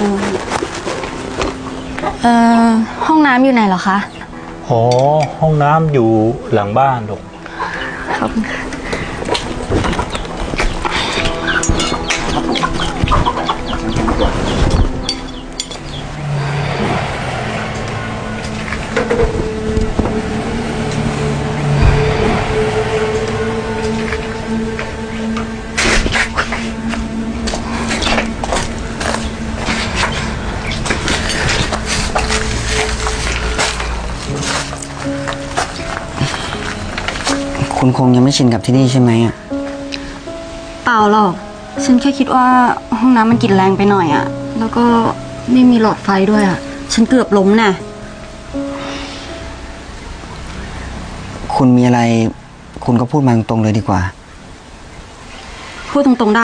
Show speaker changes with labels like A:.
A: ห้องน้ำอยู่ไหนเหรอคะ
B: อ๋อห้องน้ำอยู่หลังบ้านลูก
A: ขอบคุณค่ะ
C: คุณคงยังไม่ชินกับที่นี่ใช่ไหมอ่ะ
A: เปล่าหรอกฉันแค่คิดว่าห้องน้ำมันกลิ่นแรงไปหน่อยอะแล้วก็ไม่มีหลอดไฟด้วยอะฉันเกือบล้มน่ะ
C: คุณมีอะไรคุณก็พูดมาตรงๆเลยดีกว่า
A: พูดตรงๆได้